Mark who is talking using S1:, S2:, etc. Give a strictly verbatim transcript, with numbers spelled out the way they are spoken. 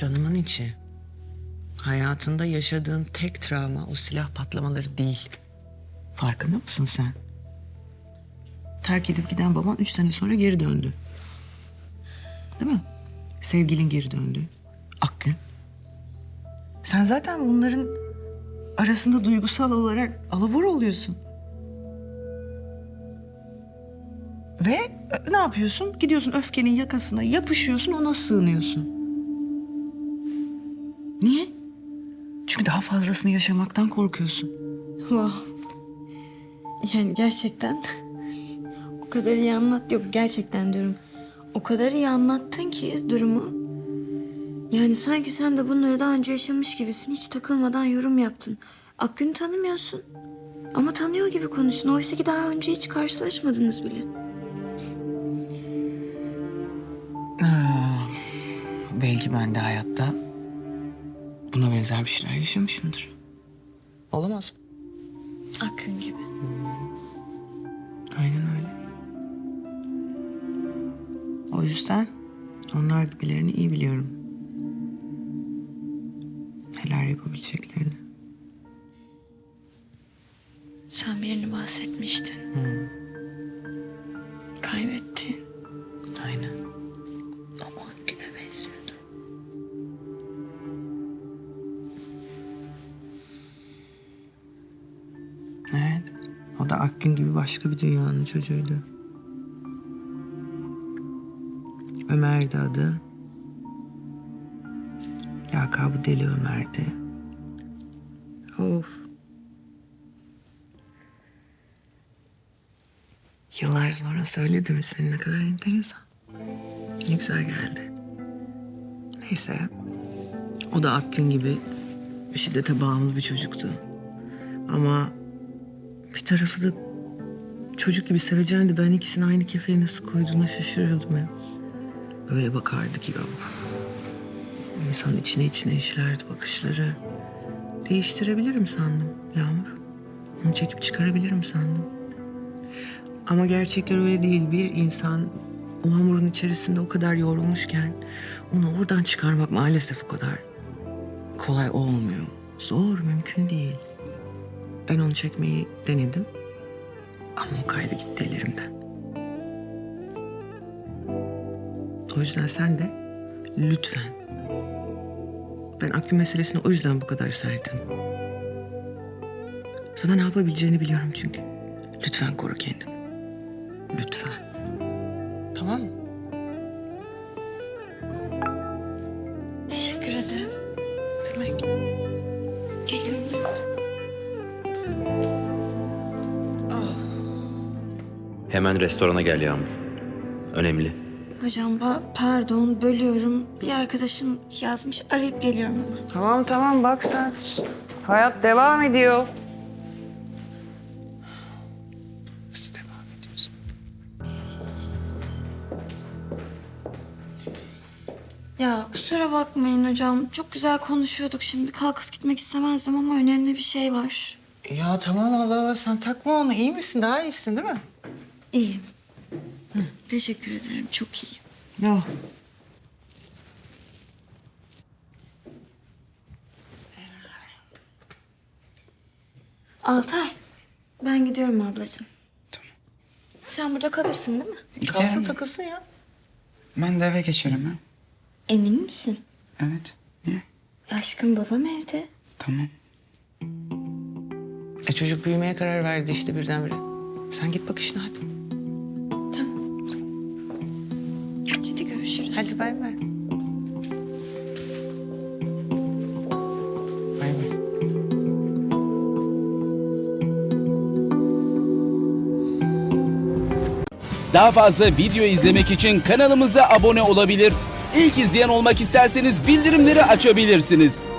S1: Canımın içi. Hayatında yaşadığın tek travma o silah patlamaları değil. Farkında mısın sen? Terk edip giden baban üç sene sonra geri döndü. Değil mi? Sevgilin geri döndü. Akgün. Sen zaten bunların arasında duygusal olarak alabor oluyorsun. Ve ne yapıyorsun? Gidiyorsun öfkenin yakasına yapışıyorsun, ona sığınıyorsun. Niye? Çünkü daha fazlasını yaşamaktan korkuyorsun.
S2: Wow. Yani gerçekten o kadar iyi anlat. Yok gerçekten diyorum. O kadar iyi anlattın ki durumu. Yani sanki sen de bunları daha önce yaşamış gibisin. Hiç takılmadan yorum yaptın. Akgün'ü tanımıyorsun. Ama tanıyor gibi konuştun. Oysa ki daha önce hiç karşılaşmadınız bile.
S1: Aa, belki ben de hayatta buna benzer bir şeyler yaşamışımdır. Olamaz mı?
S2: Akgün gibi.
S1: Aynen öyle. O yüzden onlar gibilerini iyi biliyorum. Neler yapabileceklerini.
S2: Sen birini bahsetmiştin.
S1: Hı.
S2: Kaybettin.
S1: Aynen.
S2: Ama Akgün'e benziyordu.
S1: Evet. O da Akgün gibi başka bir dünyanın çocuğuydu. Ömer'di adı. Lakabı Deli Ömer'di. Of. Yıllar sonra söyledim ismini, ne kadar enteresan. Ne güzel geldi. Neyse. O da Akgün gibi şiddete bağımlı bir çocuktu. Ama bir tarafı da çocuk gibi seveceğindi. Ben ikisini aynı kefeye nasıl koyduğuna şaşırıyordum ya. Böyle bakardı ki of. İnsanın içine içine işlerdi bakışları. Değiştirebilirim sandım Yağmur. Onu çekip çıkarabilirim sandım. Ama gerçekler öyle değil. Bir insan o hamurun içerisinde o kadar yorulmuşken onu oradan çıkarmak maalesef o kadar kolay olmuyor. Zor, mümkün değil. Ben onu çekmeyi denedim. Ama o kaydı gitti ellerimden. O yüzden sen de lütfen. Ben Akgün meselesine o yüzden bu kadar sertim. Sana ne yapabileceğini biliyorum çünkü. Lütfen koru kendini. Lütfen. Tamam mı?
S2: Teşekkür ederim.
S1: Demek.
S2: Geliyorum.
S3: Hemen restorana gel Yağmur. Önemli.
S2: Hocam ba- pardon bölüyorum. Bir arkadaşım yazmış, arayıp geliyorum hemen.
S1: Tamam tamam bak sen. Hayat devam ediyor. Nasıl devam ediyorsun?
S2: Ya kusura bakmayın hocam. Çok güzel konuşuyorduk şimdi. Kalkıp gitmek istemezdim ama önemli bir şey var.
S1: Ya tamam Allah Allah sen takma onu. İyi misin? Daha iyisin değil mi?
S2: İyiyim. Teşekkür ederim. Çok iyiyim.
S1: Yok.
S2: Altay, ben gidiyorum ablacığım. Tamam. Sen burada kalırsın değil mi?
S1: Kalsın
S4: Giderim.
S1: takılsın ya.
S4: Ben de eve geçerim ha.
S2: Emin misin?
S4: Evet. Niye?
S2: Aşkım babam evde.
S4: Tamam.
S1: E çocuk büyümeye karar verdi işte birdenbire. Sen git bak işine hadi.
S2: Tamam. Hadi görüşürüz.
S1: Hadi bay bay. Bay bay.
S5: Daha fazla video izlemek için kanalımıza abone olabilir. İlk izleyen olmak isterseniz bildirimleri açabilirsiniz.